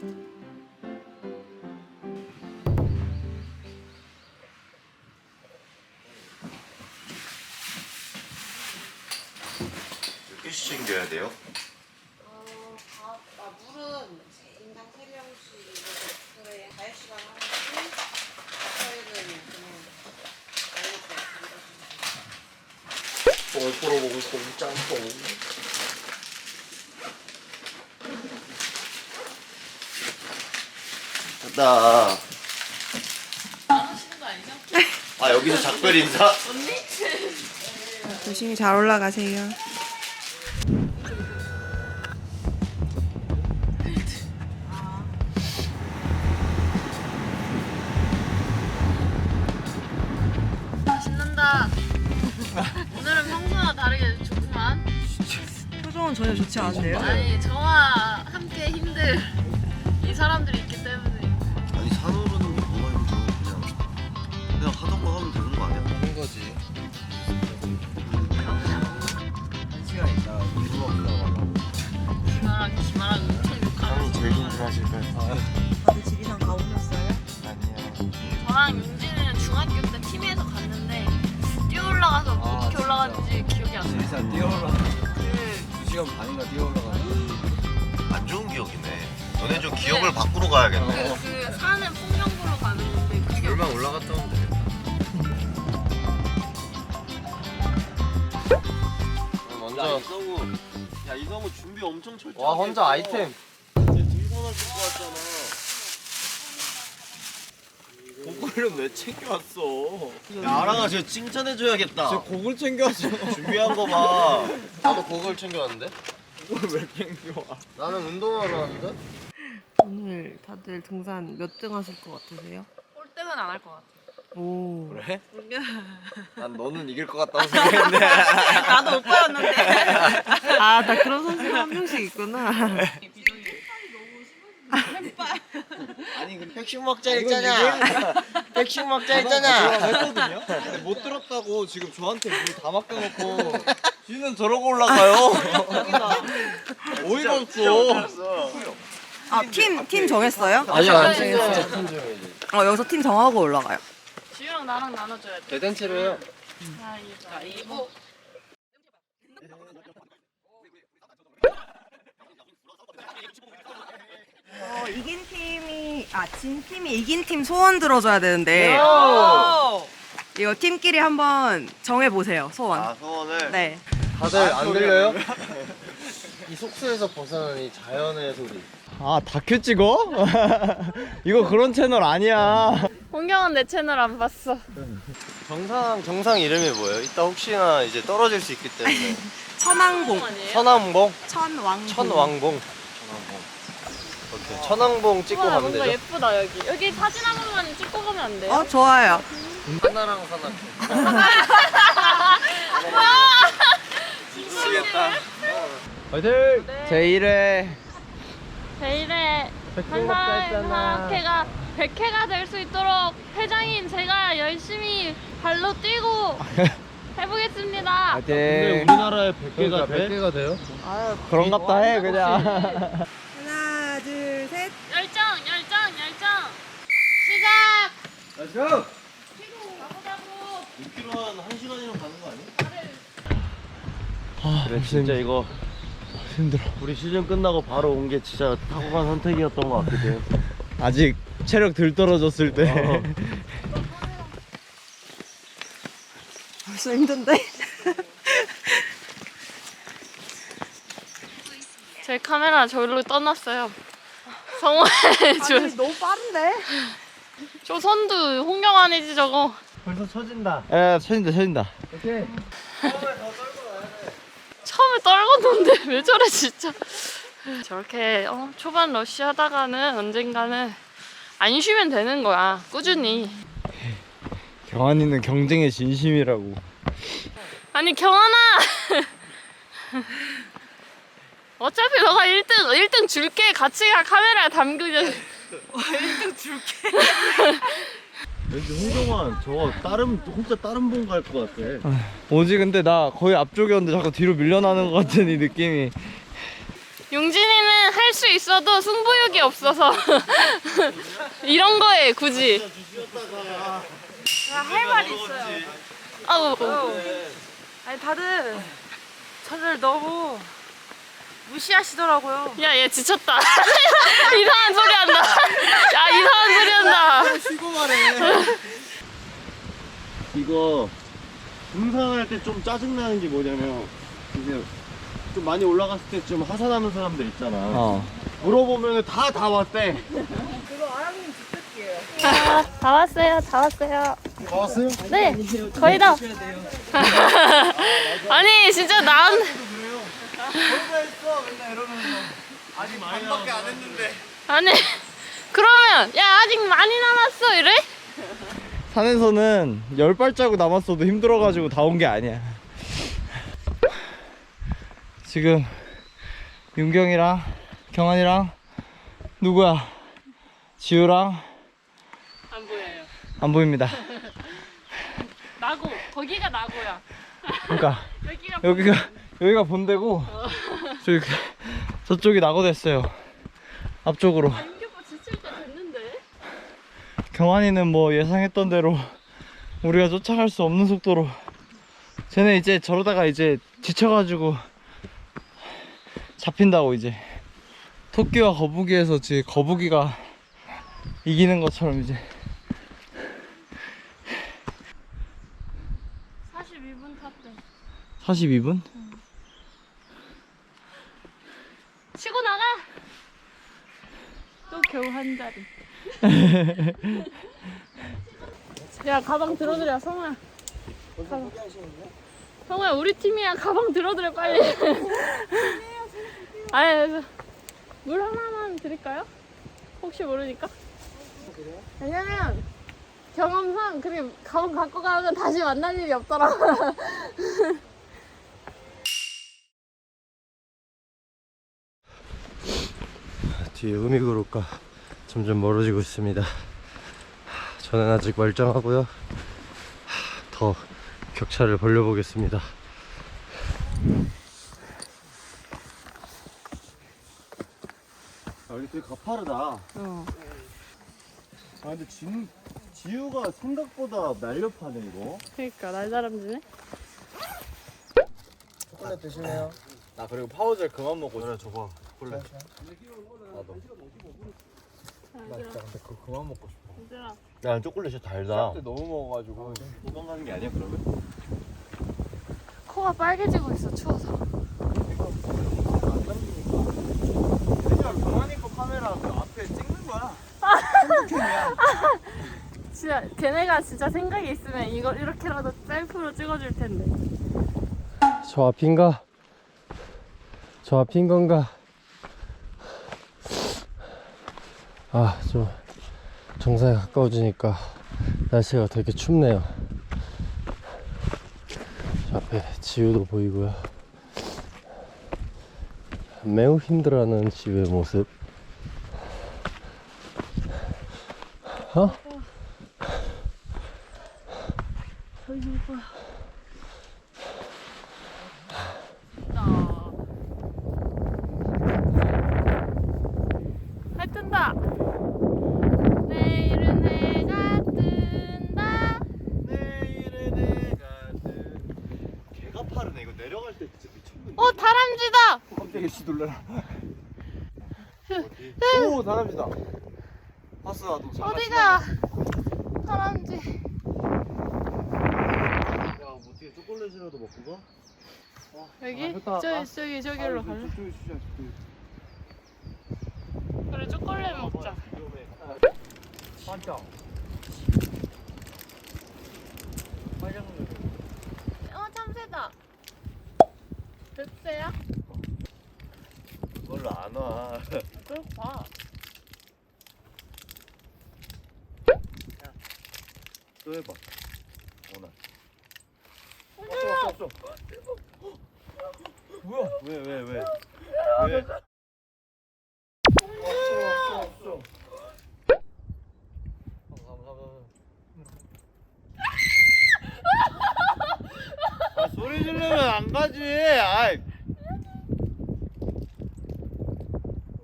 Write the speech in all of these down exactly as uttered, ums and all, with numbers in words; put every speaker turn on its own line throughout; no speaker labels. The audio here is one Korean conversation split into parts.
몇 개씩 챙겨야 돼요?
어, 밥, 아, 물은 인당 세 명씩 그래 자유시간 하나씩 저희는 그냥
뽕을 뿌려 먹을 뽕 짬뽕. 됐다.
안 하시는 거 아니죠?
아 여기서 작별 인사?
언니?
조심히 잘 올라가세요.
신난다. 오늘은 평소와 다르게 좋구만.
표정은 전혀 좋지 않은데요?
아니 저와 함께 힘들 이 사람들이 있기 때문에.
아니 산오르는 게 뭐가 힘들어? 그냥 그냥 하던 거 하면 되는 거 아니야?
하는 거지. 한 시간 있다 유튜브 올라가려고.
기마랑 기마랑 엄청 욕하는.
제일 힘들어하실 거예요.
다들 지리산 가보셨어요?
아니요.
저랑 용진이는 중학교 때 팀에서 갔는데 뛰어 올라가서
아,
어떻게
진짜.
올라갔는지 기억이 안 나.
지리산 뛰어 올라가.
그
두 시간 반인가 뛰어 올라가.
안 좋은 기억이네. 너네 좀 기억을 바꾸러 가야겠네.
어.
그 산은 풍령구로 가는 건데 그게
얼마 올라갔다 오면 되겠다. 먼저
이성우, 야 이성우 준비 엄청 철저하게.
와 혼자 아이템.
등산화 신고 왔잖아.
고글은 왜 챙겨왔어?
야, 아랑아 쟤 칭찬해줘야겠다.
저 고글 챙겨왔어.
준비한 거 봐.
나도 고글 챙겨왔는데? 고글 왜 챙겨와? 나는 운동하러 왔는데?
오늘 다들 등산 몇 등 하실 것 같으세요?
꼴등은 안 할 것 같아.
오.
그래? 난 너는 이길 것 같다고 생각했는데.
나도 오빠였는데. 아, 나 그런 선수가 한 명씩 있구나.
아니 근데
백신 먹자
이건
했잖아. 백신 먹자
했잖아.
했잖아.
했거든요. 근데 못 들었다고 지금 저한테 물 다 맡겨놓고 지는 저러고 올라가요. 어이가 없어.
아, 팀, 팀 정했어요?
아니야
안
안
챙겼어.
챙겼어.
어, 여기서 팀 정하고 올라가요.
지우랑 나랑 나눠줘야 돼.
대단체로 해요.
가위바위보.
어, 이긴 팀이, 아, 진 팀이 이긴 팀 소원 들어줘야 되는데. 이거 팀끼리 한번 정해보세요, 소원.
아 소원을.
네.
다들 안 들려요? 이 속수에서 벗어난 이 자연의 소리. 아 다큐 찍어? 이거 그런 채널 아니야.
홍경은 내 채널 안 봤어.
정상 정상 이름이 뭐예요? 이따 혹시나 이제 떨어질 수 있기 때문에.
천왕봉.
아니에요?
천왕봉?
천왕봉.
천왕봉. 천왕봉. 오케이. 천왕봉 찍고
와,
가면
뭔가
되죠?
예쁘다 여기. 여기 사진 한 번만 찍고 가면 안 돼요?
어, 좋아요.
하나랑 사나. 미치겠다. 화이팅! 제일 회
제일에
백 회 먹자 했잖아.
한사회가 백 회가 될 수 있도록 회장인 제가 열심히 발로 뛰고 해보겠습니다.
화이팅! 우리나라에 백 개가 돼? 백 개가 돼요?
아유,
그런갑다 해 그냥.
하나, 둘, 셋.
열정, 열정, 열정. 시작.
Let's go!
가보자고.
육 킬로미터 한 한 시간이면 가는 거 아니야?
아,
그래 진짜 이거
힘들어.
우리 시즌 끝나고 바로 온 게 진짜 탁월한 선택이었던 것 같기도 해.
아직 체력 덜 떨어졌을 때.
어.
벌써 힘든데?
제 카메라 저기로 떠났어요. 성호의 조,
아니, 너무 빠른데?
저 선두 홍경환이지 저거.
벌써 쳐진다.
야, 쳐진다, 쳐진다. 오케이.
처음에 떨궜는데 왜 저래 진짜. 저렇게 어, 초반 러쉬 하다가는 언젠가는 안 쉬면 되는 거야. 꾸준히.
경환이는 경쟁의 진심이라고.
아니 경환아. 어차피 너가 일 등 일 등 줄게. 같이 가. 카메라에 담그자.
일 등 줄게.
왠지 홍경환 저거 다른 혼자 다른 본 갈 것 같아.
오지 근데 나 거의 앞쪽이었는데 자꾸 뒤로 밀려나는 것 같은 이 느낌이.
용진이는 할 수 있어도 승부욕이 없어서 이런 거에 굳이.
할 말이 있어요.
아우.
아니 다들 저를 너무 무시하시더라고요.
야, 얘 지쳤다. 이상한 소리 한다. 야, 이상한 소리 한다.
쉬고 말해. 이거 등산할 때 좀 짜증나는 게 뭐냐면 이제 좀 많이 올라갔을 때 좀 하산하는 사람들 있잖아. 어. 물어보면 다 다 왔대.
그거 아랑님 주특기예요.
아, 다 왔어요. 다 왔어요.
다 왔어요?
네, 거의 다. 아니, 진짜 난.
혼자 했어 맨날 이러면서 아직 반밖에 안 했는데.
아니, 그러면, 야, 아직 많이 남았어. 이래?
산에서는 열 발자국 남았어도 힘들어가지고 다 온 게 아니야. 지금 윤경이랑 경환이랑 누구야? 지우랑
안 보여요.
안 보입니다.
나고, 거기가 나고야.
그러니까
여기가
여기가 여기가 본대고 저기 저쪽이 낙오됐어요. 앞쪽으로.
윤규빠 지칠 때 됐는데?
경환이는 뭐 예상했던 대로 우리가 쫓아갈 수 없는 속도로 쟤네 이제 저러다가 이제 지쳐가지고 잡힌다고. 이제 토끼와 거북이에서 지금 거북이가 이기는 것처럼 이제
사십이 분 탔대.
사십이 분?
치고 나가! 또 겨우 한 자리. 야, 가방 들어드려, 성우야. 가방. 성우야, 우리 팀이야. 가방 들어드려, 빨리. 아니, 물 하나만 드릴까요? 혹시 모르니까. 왜냐면 경험상 그렇게 가방 갖고 가면 다시 만날 일이 없더라.
뒤에 음이그룹과 점점 멀어지고 있습니다. 저는 아직 멀쩡하고요. 더 격차를 벌려보겠습니다.
아, 여기 되게 가파르다.
어.
아 근데 진, 지우가 생각보다 날렵하네 이거.
그러니까 날다람쥐네.
초콜릿 드실래요? 나 그리고 파우젤 그만 먹고 싶어.
그래 저거 초콜릿.
나도. 나 진짜 근데 그거 그만 먹고 싶어.
얘들아.
야 초콜릿이 달다.
그때 너무 먹어가지고.
도망가는 게 아니야 그러면?
코가 빨개지고 있어, 추워서.
그냥 경환이 거 카메라 그 앞에 찍는 거야.
진짜 걔네가 진짜 생각이 있으면 이거 이렇게라도 셀프로 찍어줄 텐데.
저 앞인가? 저 앞인 건가? 아, 좀 정상에 가까워지니까 날씨가 되게 춥네요. 저 앞에 지우도 보이고요. 매우 힘들어하는 지우의 모습. 어?
저기 봐. 해 뜬다. 내일은 해가 뜬다.
내일은 내가 뜬. 개가 파르네 이거. 내려갈 때 진짜 미쳤는데.
어, 다람쥐다.
깜짝이야 씨 놀래라. 오 다람쥐다. 봤어 나도.
어디가? 다람쥐.
야 어떻게 초콜릿이라도 먹고 가?
여기?
아, 좋다.
저기
아.
저기 저기로
아,
갈래?
저쪽에 주자 저쪽에.
그래, 초콜릿 먹자.
위험해. 반짝.
어, 참새다. 늑새야?
그걸로 안 와.
그럼 봐.
또 해봐. 오나.
왔어 왔어 왔어. 뭐야?
왜 왜 왜? 왜?
왔어 왔어. 아 소리 지르면 안 가지. 아이.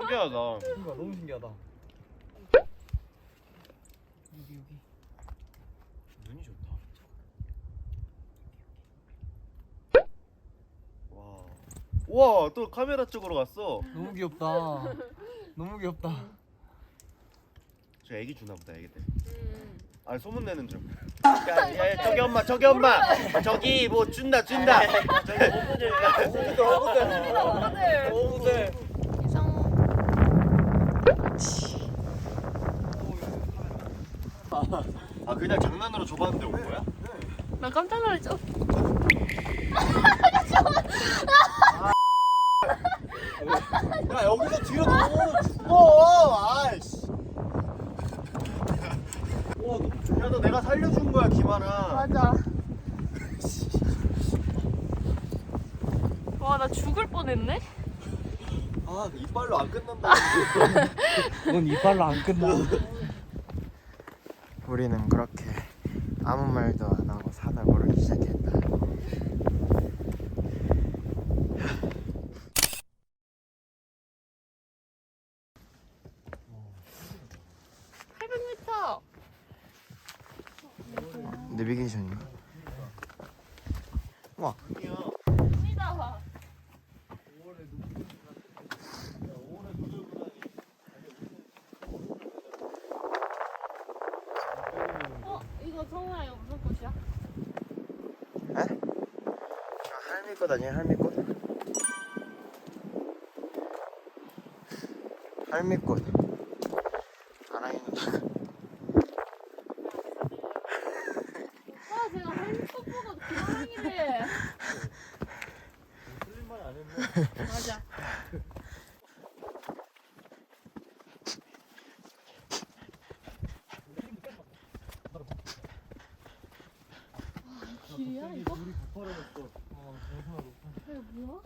신기하다.
그러니까 너무 신기하다.
눈이 좋다. 와. 우와, 또 카메라 쪽으로 갔어.
너무 귀엽다. 너무 귀엽다.
저 애기 주나 보다, 애기들. 아, 소문 내는 중. 야, 야, 야, 저기 엄마, 저기 엄마. 아, 저기 뭐 준다, 준다. 저기 오븐을.
어부들. 어부들.
이상호.
아, 그냥 장난으로 줘봤는데 온 거야?
나 깜짝 놀랐죠?
야 여기서 뒤로 넘어오면 죽어. 아이씨.
와, 너무 좋 야, 너 내가 살려준 거야, 김하나.
맞아. 와, 나 죽을 뻔했네?
아, 이빨로 안 끝난다.
넌 이빨로 안 끝나. 우리는 그렇게 아무 말도 안 하고 사다구를 시작했다.
팔백 미터.
내비게이션인가? 와.
니다 봐. 어, 이거 성우야, 이거 무슨 꽃이야?
에? 할미꽃 아니야 할미꽃? 할미꽃. 아라이 누나가.
아, 제가 할미꽃 보고 기왕이래.
틀린 말 안 했네.
맞아. 길이야 이거?
물이 부풀어졌어.
이거 뭐야?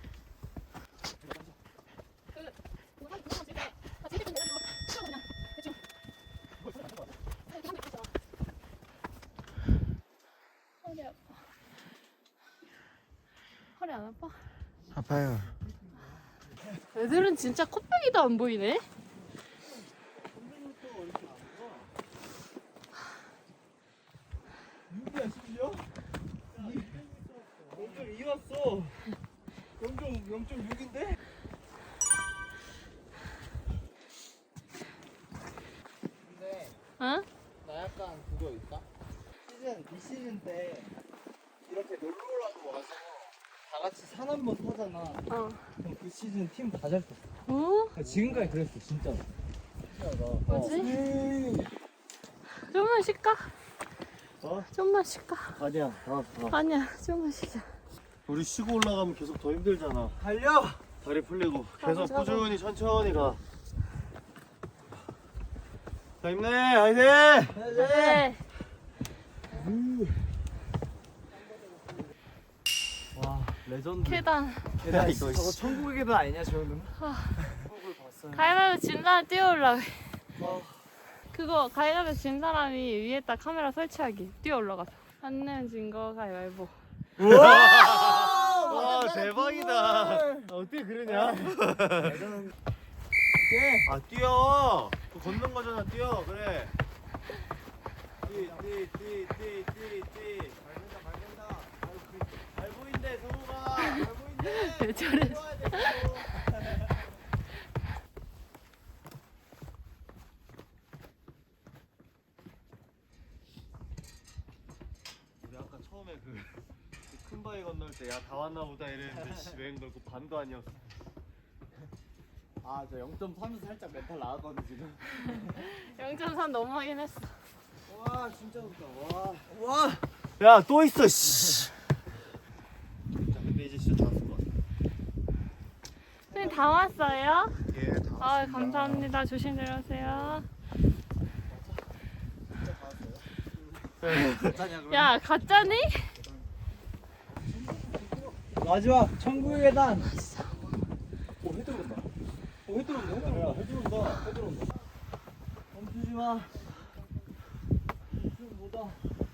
허리 아파. 허리 안 아파?
아파요.
애들은 진짜 코빼기도 안 보이네.
육이야 심지어? 영 점 이 왔어. 영 점 육인데? 근데
응?
나 약간 그거 있다. 시즌 이 시즌 때 이렇게 놀러라고 와서 다 같이 산 한 번 타잖아.
어.
그럼 그 시즌 팀 다 잘 탔어.
어?
지금까지 그랬어 진짜로. 신기하다.
뭐지? 좀만 쉴까?
어?
좀만 쉴까?
아니야, 다, 다.
아니야, 좀만 쉬자.
우리 쉬고 올라가면 계속 더 힘들잖아.
달려.
다리 풀리고 계속
맞아.
꾸준히 천천히 가. 자, 힘내, 화이팅!
네.
와 레전드.
계단.
계단 있어. 저거 천국의 계단 아니냐 저 정도면?
가위바위보 진 사람 뛰어올라.
와.
그거 가위바위보 진 사람이 위에다 카메라 설치하기. 뛰어 올라가서. 안 내면 진 거 가위바위보.
와, 대박이다. 어떻게 그러냐? 아, 뛰어. 그거 걷는 거잖아, 뛰어. 그래. 뛰, 뛰, 뛰, 뛰, 뛰, 뛰. 밟는다, 밟는다. 잘 보인대, 성우가. 잘 보인대.
왜 저래?
뛰어야 돼, 성우. 우리 아까 처음에 그 큰 바위 건널 때 야 다 왔나 보다 이랬는데 씨 웬 걸고 반도 아니었어.
아 저 영 점 삼에서 살짝 멘탈 나왔거든 지금.
영 점 삼 넘어가긴 했어.
와 진짜 좋다. 와.
와, 야 또 있어. 씨. 자, 근데 이제 진짜 다 왔을 것 같아.
선생님 다 왔어요?
예, 다
아 감사합니다. 조심 내려오세요. 야 가짜니?
마지막 천국의 계단. 오해 들어온다. 오해 들어온다. 해 들어온다. 해 들어온다. 해 들어온다. 멈추지 마. 좀 보다.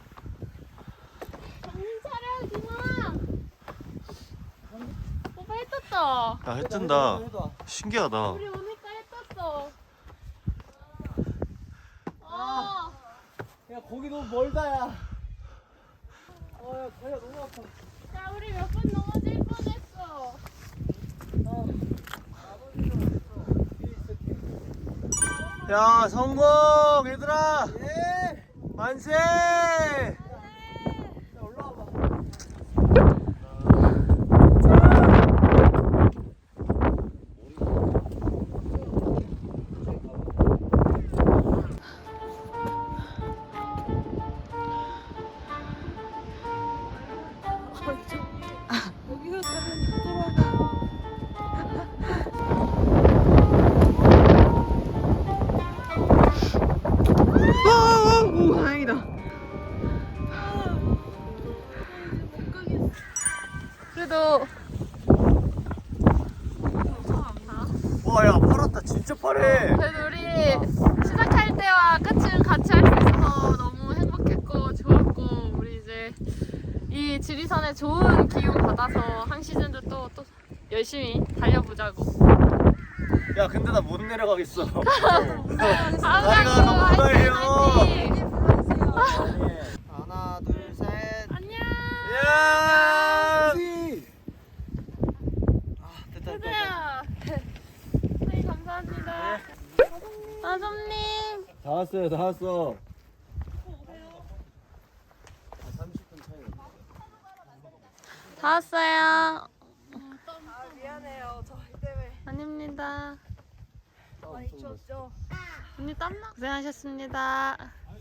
정신 차려 김아. 오빠 해 떴다.
야, 해 뜬다.
해봐.
신기하다.
우리 오니까
거기 너무 멀다 야. 어야 다리가 너무 아파.
야 우리 몇 번 넘어질 뻔했어.
야 성공 얘들아. 예. 만세.
오, 다행이다.
그래도
와야 팔았다 진짜 파래.
그래도 우리 시작할 때와 끝을 같이 할 수 있어서 너무 행복했고 좋았고 우리 이제 이 지리산에 좋은 기운 받아서 한 시즌도 또, 또 열심히 달려보자고.
야 근데 나 못 내려가겠어.
다음에
너무 급해요.
하나 둘 셋.
안녕.
야.
세대야. 선생님 감사합니다. 아점님.
다 왔어요 다 왔어.
다 왔어요.
미안해요. 저희 때문에
아닙니다.
많이 추웠죠?
언니 땀나? 고생하셨습니다.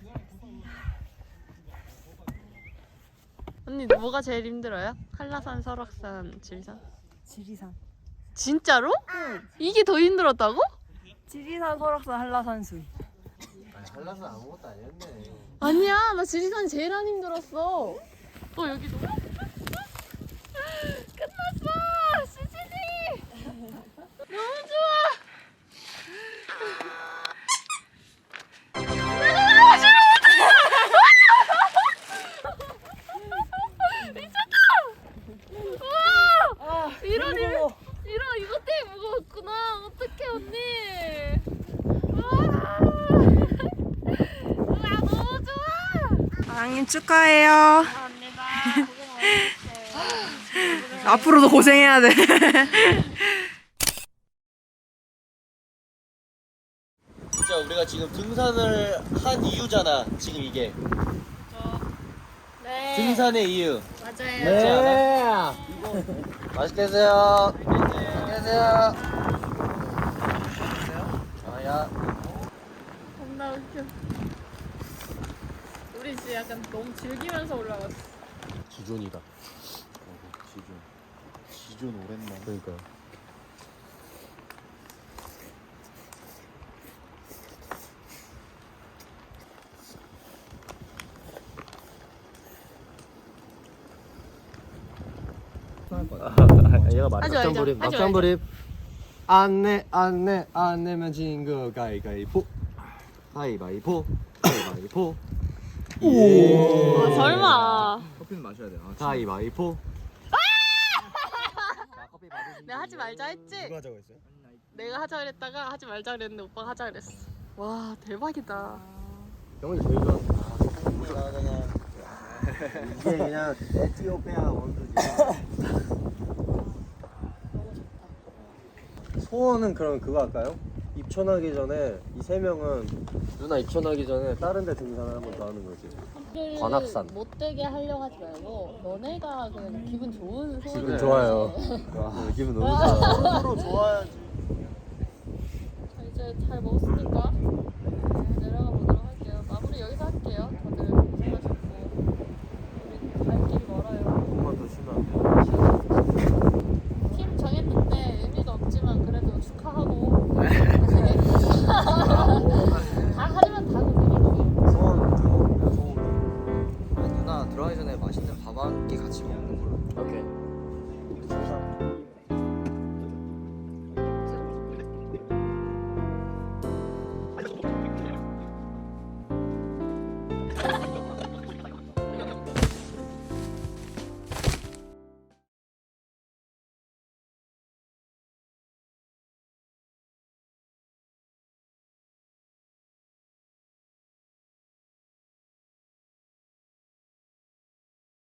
언니 뭐가 제일 힘들어요? 한라산, 설악산, 지리산?
지리산.
진짜로? 응. 이게 더 힘들었다고?
지리산, 설악산, 한라산, 수위.
한라산 아무것도 아니었네.
아니야, 나 지리산이 제일 안 힘들었어. 또 여기도. 끝났어, 수진이. 너무 좋아. 내가 싫어. 미쳤다. 우와. 이런 일, 이런 이것 때문에 무거웠구나. 어떡해 언니. 우와. 우와 너무 좋아.
사장님 축하해요.
감사합니다. 고생 많으셨어요.
앞으로도 고생해야 돼.
진짜 우리가 지금 등산을 한 이유잖아 지금 이게.
네.
등산의 이유.
맞아요.
네.
맛있게 드세요. 맛있게 드세요. 아야.
겁나 웃겨. 우리 진짜 약간 너무 즐기면서 올라갔어.
지존이다. 지존. 지존 오랜만.
그러니까.
얘가 말해.
하지 말자.
막장불입,
하지
막장불입. 안내, 안내, 안 내면 진 거 가위가위보. 가위바위보, 가위바위보. 오.
아, 설마.
커피는 마셔야 돼. 아, 가위바위보.
내가 하지 말자 했지?
누가 하자고 했어요?
내가 하자 그랬다가 하지 말자 그랬는데 오빠가 하자 그랬어. 와 대박이다.
형이 제일 좋아. 이게 그냥 에티오피아 원두지. 소원은 그럼 그거 할까요? 입촌하기 전에 이 세 명은 누나 입촌하기 전에 다른 데 등산을 한번 더 하는 거지. 관악산.
못되게 하려고 하지 말고 너네가 그냥 기분 좋은 소원.
기분 좋아요. 와, 기분 너무 좋아.
서로 좋아야지.